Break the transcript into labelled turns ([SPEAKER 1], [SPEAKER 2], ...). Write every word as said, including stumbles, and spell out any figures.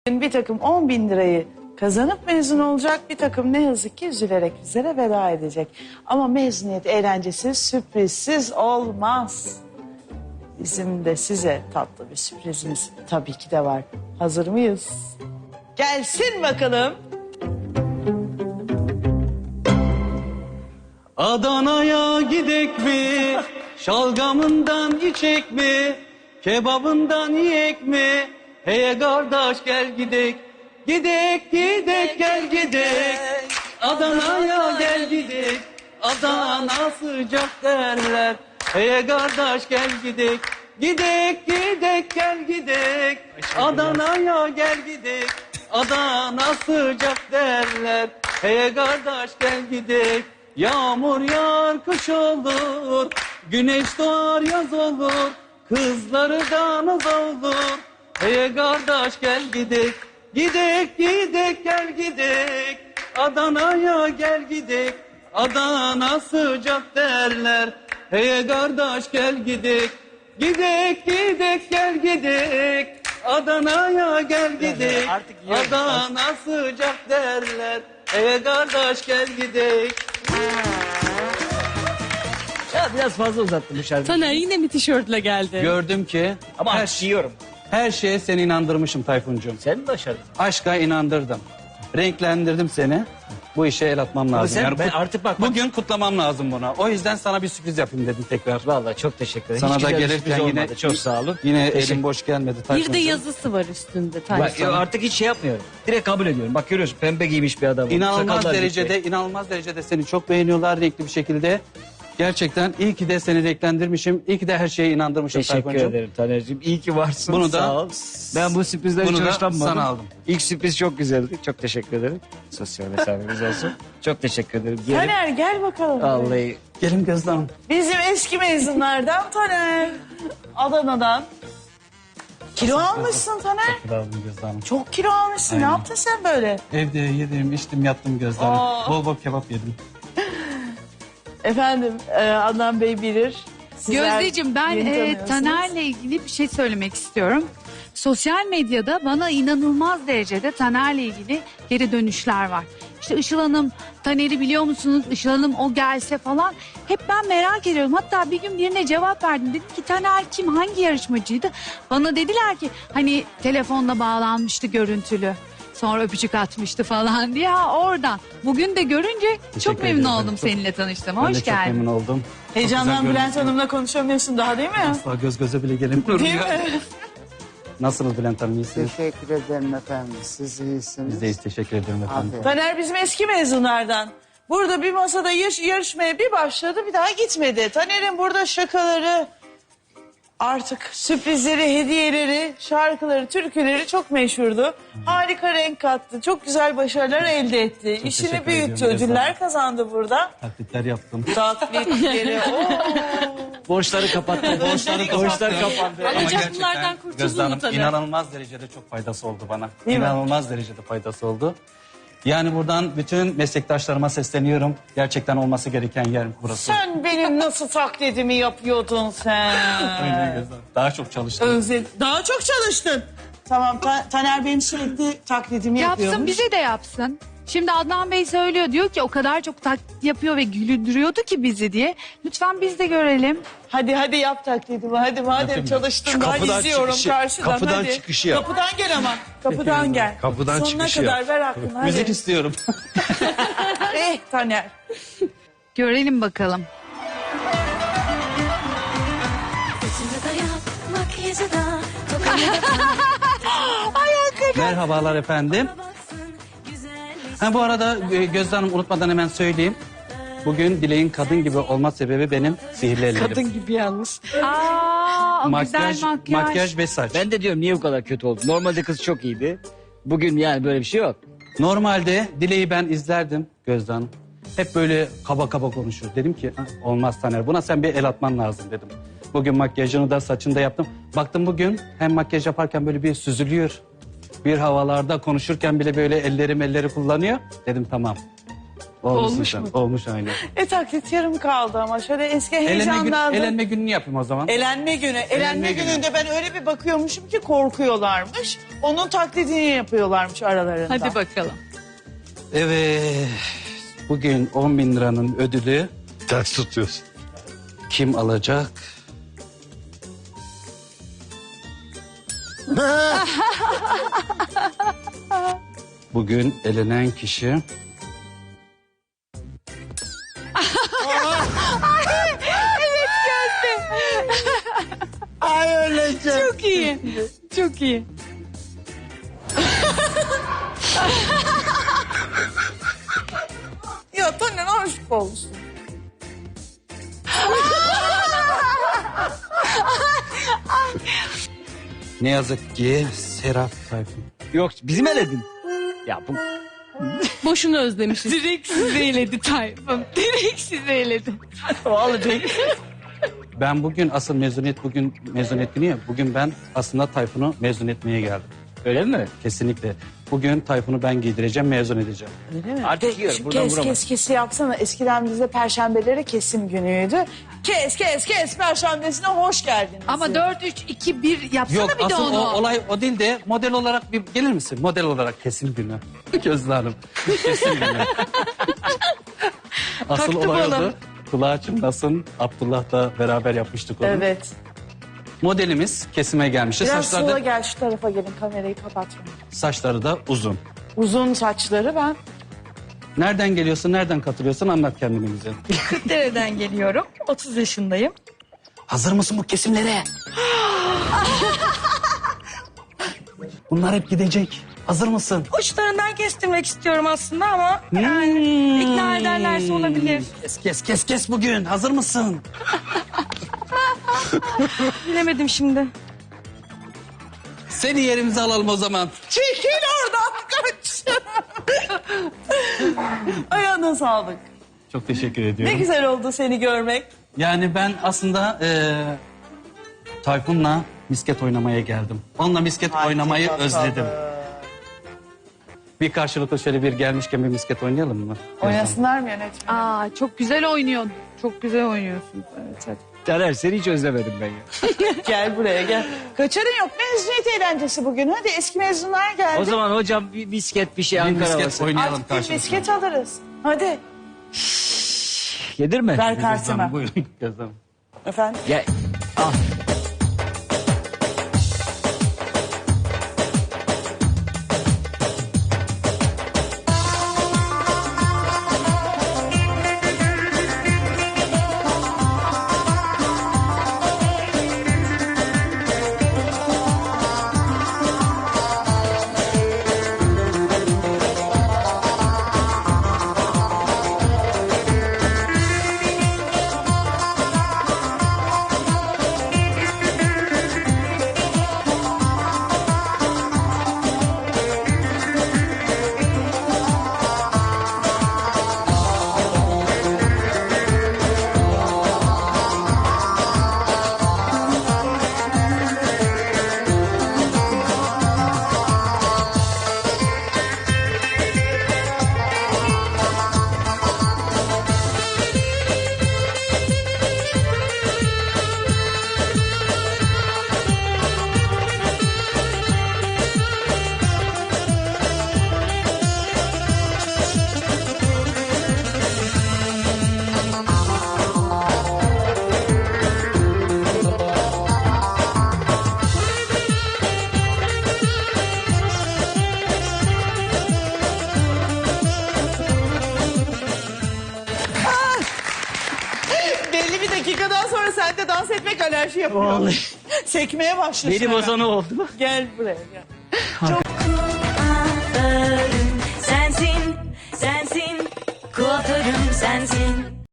[SPEAKER 1] Bir takım on bin lirayı kazanıp mezun olacak, bir takım ne yazık ki üzülerek bizlere veda edecek. Ama mezuniyet eğlencesiz, sürprizsiz olmaz. Bizim de size tatlı bir sürprizimiz tabii ki de var. Hazır mıyız? Gelsin bakalım.
[SPEAKER 2] Adana'ya gidek mi? Şalgamından içek mi? Kebabından yiyek mi? Hey kardeş gel gidek. Gidek gidek gel gidek. Adana'ya gel gidek. Adana sıcak derler. Hey kardeş gel gidek. Gidek gidek gel gidek. Adana'ya gel gidek. Adana sıcak derler. Hey kardeş gel gidek. Yağmur yağar kış olur, güneş doğar yaz olur, kızları da naz olur. Hey kardeş gel gidek, gidek gidek gel gidek, Adana'ya gel gidek, Adana sıcak derler. Hey kardeş gel gidek, gidek gidek gel gidek, Adana'ya gel gidek, Adana sıcak derler. Hey kardeş gel gidek.
[SPEAKER 3] Ya biraz fazla uzattım bu şarkıyı.
[SPEAKER 4] Taner yine mi tişörtle geldi?
[SPEAKER 2] Gördüm ki
[SPEAKER 3] Ama
[SPEAKER 2] her,
[SPEAKER 3] açıyorum.
[SPEAKER 2] her şeye seni inandırmışım Tayfuncuğum.
[SPEAKER 3] Sen mi başardın?
[SPEAKER 2] Aşka inandırdım. Renklendirdim seni. Bu işe el atmam lazım.
[SPEAKER 3] sen-
[SPEAKER 2] Yani
[SPEAKER 3] ben
[SPEAKER 2] kut-
[SPEAKER 3] artık bak- bak-
[SPEAKER 2] Bugün kutlamam lazım buna. O yüzden sana bir sürpriz yapayım dedim tekrar.
[SPEAKER 3] Vallahi çok teşekkür ederim.
[SPEAKER 2] Sana
[SPEAKER 3] Hiç
[SPEAKER 2] da
[SPEAKER 3] güzel bir
[SPEAKER 2] gelirken
[SPEAKER 3] sürpriz
[SPEAKER 2] yine
[SPEAKER 3] olmadı. Çok sağ olun.
[SPEAKER 2] Yine
[SPEAKER 3] Teşekkür-
[SPEAKER 2] elim boş gelmedi
[SPEAKER 4] Bir de
[SPEAKER 2] Tayfuncuğum.
[SPEAKER 4] yazısı var üstünde
[SPEAKER 3] Bak,
[SPEAKER 4] Taner.
[SPEAKER 3] ya artık hiç şey yapmıyorum. Direkt kabul ediyorum. Bak görüyorsun pembe giymiş bir adam.
[SPEAKER 2] İnanılmaz
[SPEAKER 3] Sakallar
[SPEAKER 2] derecede,
[SPEAKER 3] gitmiş.
[SPEAKER 2] inanılmaz derecede seni çok beğeniyorlar renkli bir şekilde. Gerçekten iyi ki de seni renklendirmişim. İyi ki de her şeye inandırmışım
[SPEAKER 3] Teşekkür
[SPEAKER 2] Tayfuncuğum.
[SPEAKER 3] ederim Taner'cim. İyi ki varsın.
[SPEAKER 2] Bunu da-
[SPEAKER 3] sağ ol. Ben bu sürprizden
[SPEAKER 2] Bunu
[SPEAKER 3] hiç
[SPEAKER 2] da
[SPEAKER 3] hoşlanmadım.
[SPEAKER 2] sana aldım.
[SPEAKER 3] İlk sürpriz çok güzeldi. Çok teşekkür ederim. Sosyal mesafemiz olsun. Çok teşekkür ederim. Gelin.
[SPEAKER 1] Taner gel bakalım.
[SPEAKER 3] Vallahi
[SPEAKER 2] Gelin Gözde Hanım.
[SPEAKER 1] Bizim eski mezunlardan Taner. Adana'dan. Kilo almışsın Taner.
[SPEAKER 2] Kilo aldım Gözde Hanım.
[SPEAKER 1] Çok kilo almışsın. Ne
[SPEAKER 2] Aynen.
[SPEAKER 1] yaptın sen böyle?
[SPEAKER 2] Evde yedim, içtim, yattım Gözde Hanım.
[SPEAKER 1] Aa.
[SPEAKER 2] Bol bol kebap yedim.
[SPEAKER 1] Efendim e, Adnan Bey bilir. Sizler
[SPEAKER 4] Gözdeciğim ben
[SPEAKER 1] yeni
[SPEAKER 4] e,
[SPEAKER 1] tanıyorsunuz.
[SPEAKER 4] Taner'le ilgili bir şey söylemek istiyorum. Sosyal medyada bana inanılmaz derecede Taner'le ilgili geri dönüşler var. İşte Işıl Hanım Taner'i biliyor musunuz? Işıl Hanım o gelse falan. Hep ben merak ediyorum. Hatta bir gün birine cevap verdim. Dedim ki Taner kim? Hangi yarışmacıydı? Bana dediler ki hani telefonla bağlanmıştı görüntülü. Sonra öpücük atmıştı falan diye. Ha, oradan. Bugün de görünce çok
[SPEAKER 2] Teşekkür
[SPEAKER 4] memnun
[SPEAKER 2] ederim.
[SPEAKER 4] oldum
[SPEAKER 2] Çok-
[SPEAKER 4] seninle tanıştığıma.
[SPEAKER 2] Ben de
[SPEAKER 4] Hoş
[SPEAKER 2] çok
[SPEAKER 4] geldin.
[SPEAKER 2] memnun oldum.
[SPEAKER 1] Heyecandan
[SPEAKER 2] Çok güzel
[SPEAKER 1] Bülent
[SPEAKER 2] görünüyorsun.
[SPEAKER 1] Hanım'la konuşamıyorsun daha değil mi?
[SPEAKER 2] Asla göz göze bile gelemiyorum
[SPEAKER 1] Değil
[SPEAKER 2] ya.
[SPEAKER 1] mi?
[SPEAKER 2] Nasılsınız Bülent Hanım, iyisiniz?
[SPEAKER 5] Teşekkür ederim efendim. Siz iyisiniz.
[SPEAKER 2] Biz de iyiyiz, teşekkür ederim efendim.
[SPEAKER 5] Aferin.
[SPEAKER 1] Taner bizim eski mezunlardan. Burada bir masada yarış, yarışmaya bir başladı bir daha gitmedi. Taner'in burada şakaları, artık sürprizleri, hediyeleri, şarkıları, türküleri çok meşhurdu. Harika renk kattı. Çok güzel başarılar elde etti.
[SPEAKER 2] Çok
[SPEAKER 1] İşini
[SPEAKER 2] teşekkür
[SPEAKER 1] büyüttü.
[SPEAKER 2] ediyorum,
[SPEAKER 1] Ödüller
[SPEAKER 2] Gözde.
[SPEAKER 1] kazandı burada.
[SPEAKER 2] Taklitler yaptım.
[SPEAKER 1] Taklitleri. Oo.
[SPEAKER 3] borçları kapattı. borçları, borçlar kapandı.
[SPEAKER 4] Ama
[SPEAKER 2] Ama
[SPEAKER 4] canlılardan
[SPEAKER 2] gerçekten
[SPEAKER 4] kurtuldun
[SPEAKER 2] Gözde Hanım
[SPEAKER 4] mu Taner?
[SPEAKER 2] inanılmaz derecede çok faydası oldu bana.
[SPEAKER 1] Değil mi?
[SPEAKER 2] İnanılmaz derecede faydası oldu. Yani buradan bütün meslektaşlarıma sesleniyorum. Gerçekten olması gereken yer burası.
[SPEAKER 1] Sen benim nasıl taklidimi yapıyordun sen?
[SPEAKER 2] Öyle Gözde Hanım. Daha çok çalıştım.
[SPEAKER 1] Özle Daha çok çalıştın. Tamam Ta- Taner benim sürekli taklidimi
[SPEAKER 4] Yapsın
[SPEAKER 1] yapıyormuş.
[SPEAKER 4] bize de yapsın. Şimdi Adnan Bey söylüyor diyor ki o kadar çok taklit yapıyor ve güldürüyordu ki bizi diye. Lütfen biz de görelim.
[SPEAKER 1] Hadi hadi yap taklidimi hadi madem
[SPEAKER 2] Yapayım
[SPEAKER 1] çalıştın
[SPEAKER 6] Şu
[SPEAKER 1] ben
[SPEAKER 6] kapıdan
[SPEAKER 1] izliyorum
[SPEAKER 6] çıkışı,
[SPEAKER 1] karşıdan
[SPEAKER 6] kapıdan
[SPEAKER 1] hadi.
[SPEAKER 6] çıkışı yap.
[SPEAKER 1] Kapıdan gel ama kapıdan gel.
[SPEAKER 6] Kapıdan
[SPEAKER 1] Sonuna
[SPEAKER 6] çıkışı
[SPEAKER 1] kadar
[SPEAKER 6] yap.
[SPEAKER 1] ver hakkını hadi.
[SPEAKER 2] Müzik istiyorum.
[SPEAKER 1] Eh Taner.
[SPEAKER 4] Görelim bakalım.
[SPEAKER 7] Saçını da yap, makyajı da, tokamı da
[SPEAKER 2] Merhabalar efendim.
[SPEAKER 7] baksın, güzelmiş.
[SPEAKER 2] Ha, bu arada e, Gözde Hanım unutmadan hemen söyleyeyim. Bugün Dileğin kadın gibi olma sebebi benim sihirli ellerim.
[SPEAKER 1] Kadın gibi yalnız.
[SPEAKER 4] Aa, o
[SPEAKER 2] Makyaj,
[SPEAKER 4] güzel makyaj.
[SPEAKER 2] makyaj ve saç.
[SPEAKER 3] Ben de diyorum niye bu kadar kötü oldu? Normalde kız çok iyiydi. Bugün yani böyle bir şey yok.
[SPEAKER 2] Normalde Dileği ben izlerdim Gözde Hanım. Hep böyle kaba kaba konuşur. Dedim ki "Ha, olmaz Taner, buna sen bir el atman lazım dedim. Bugün makyajını da saçını da yaptım. Baktım bugün hem makyaj yaparken böyle bir süzülüyor. Bir havalarda konuşurken bile böyle ellerim elleri kullanıyor. Dedim tamam. Olmuşsun
[SPEAKER 1] Olmuş
[SPEAKER 2] sen.
[SPEAKER 1] mu?
[SPEAKER 2] Olmuş aynen.
[SPEAKER 1] E taklit yarım kaldı ama şöyle eski
[SPEAKER 2] Elenme, gün,
[SPEAKER 1] heyecanlandım.
[SPEAKER 2] elenme gününü yapayım o zaman.
[SPEAKER 1] Elenme günü. Elenme,
[SPEAKER 2] günü.
[SPEAKER 1] gününde ben öyle bir bakıyormuşum ki korkuyorlarmış. Onun taklidini yapıyorlarmış aralarında.
[SPEAKER 4] Hadi bakalım.
[SPEAKER 2] Evet. Bugün on bin liranın ödülü
[SPEAKER 6] Ters tutuyorsun.
[SPEAKER 2] kim alacak? Bugün elenen kişi...
[SPEAKER 5] Ay öleceğim.
[SPEAKER 4] Çok iyi. Çok iyi.
[SPEAKER 1] Ya Taner aşk olsun.
[SPEAKER 2] Ne yazık ki Serap Tayfun.
[SPEAKER 3] Yok bizim eledin. Ya bu
[SPEAKER 4] Boşuna özlemişiz. Direkt sizi eledi Tayfun. Direkt sizi eledi.
[SPEAKER 2] Ben bugün asıl mezuniyet bugün mezuniyet günü ya. Bugün ben aslında Tayfun'u mezun etmeye geldim.
[SPEAKER 3] öyle mi?
[SPEAKER 2] Kesinlikle. Bugün Tayfun'u ben giydireceğim, mezun edeceğim.
[SPEAKER 1] Öyle mi?
[SPEAKER 3] Artık
[SPEAKER 1] Ke-
[SPEAKER 3] yiyorum,
[SPEAKER 1] şu
[SPEAKER 3] buradan
[SPEAKER 1] kes
[SPEAKER 3] vuramam.
[SPEAKER 1] kes kesi yapsana. Eskiden bizde perşembeleri kesim günüydü. Kes kes kes perşembesine hoş geldiniz.
[SPEAKER 4] Ama dört üç iki bir yapsana
[SPEAKER 2] Yok
[SPEAKER 4] bir de
[SPEAKER 2] asıl
[SPEAKER 4] onu.
[SPEAKER 2] o, olay o değil de model olarak bir gelir misin? Model olarak kesim günü. Gözde Hanım. Kesim günü. asıl
[SPEAKER 4] Taktım
[SPEAKER 2] olay
[SPEAKER 4] onu.
[SPEAKER 2] oldu. Kulağı çınlasın. Abdullah'la beraber yapmıştık onu.
[SPEAKER 1] Evet.
[SPEAKER 2] Modelimiz kesime gelmişti.
[SPEAKER 1] Biraz
[SPEAKER 2] Saçları
[SPEAKER 1] sola
[SPEAKER 2] da,
[SPEAKER 1] gel şu tarafa gelin kamerayı kapatmayın.
[SPEAKER 2] saçları da uzun.
[SPEAKER 1] Uzun saçları ben.
[SPEAKER 2] Nereden geliyorsun, nereden katılıyorsun anlat kendini bize.
[SPEAKER 8] Kırklareli'den geliyorum. otuz yaşındayım.
[SPEAKER 2] Hazır mısın bu kesimlere? Bunlar hep gidecek. Hazır mısın?
[SPEAKER 8] Uçlarından kestirmek istiyorum aslında ama yani ikna ederlerse olabilir.
[SPEAKER 2] Kes kes kes kes bugün. Hazır mısın?
[SPEAKER 8] Bilemedim şimdi.
[SPEAKER 2] Seni yerimize alalım o zaman.
[SPEAKER 1] Çekil oradan kaç. Ayağına sağlık.
[SPEAKER 2] Çok teşekkür
[SPEAKER 1] Ne
[SPEAKER 2] ediyorum.
[SPEAKER 1] güzel oldu seni görmek.
[SPEAKER 2] Yani ben aslında eee Tayfun'la misket oynamaya geldim. Onunla misket oynamayı
[SPEAKER 1] Hadi
[SPEAKER 2] özledim.
[SPEAKER 1] bakalım.
[SPEAKER 2] Bir karşılıklı şöyle bir gelmişken bir misket oynayalım mı?
[SPEAKER 1] Oynasınlar mı yönetmenim?
[SPEAKER 4] Aa çok güzel oynuyorsun. Çok güzel oynuyorsun.
[SPEAKER 1] Evet, hadi.
[SPEAKER 3] Taner seni hiç özlemedim ben ya.
[SPEAKER 1] Gel buraya gel. Kaçarın yok mezuniyet eğlencesi bugün. Hadi eski mezunlar geldi.
[SPEAKER 3] O zaman hocam bir misket bir şey
[SPEAKER 2] Bir
[SPEAKER 3] Ankara
[SPEAKER 2] misket
[SPEAKER 3] havası.
[SPEAKER 2] oynayalım
[SPEAKER 1] Artık bir
[SPEAKER 2] karşılıklı.
[SPEAKER 1] misket alırız. Hadi
[SPEAKER 3] Yedir mi?
[SPEAKER 1] ver
[SPEAKER 2] Gözde Hanım,
[SPEAKER 1] kartıma.
[SPEAKER 2] buyurun Gözde Hanım.
[SPEAKER 1] Efendim?
[SPEAKER 3] Gel. Al.
[SPEAKER 1] Belli bir dakikadan sonra sende dans etmek alerji yapıyor.
[SPEAKER 3] Vallahi.
[SPEAKER 1] Sekmeye başlıyorsun.
[SPEAKER 3] Benim o
[SPEAKER 1] hemen.
[SPEAKER 3] sana oldu.
[SPEAKER 1] Gel buraya gel. Çok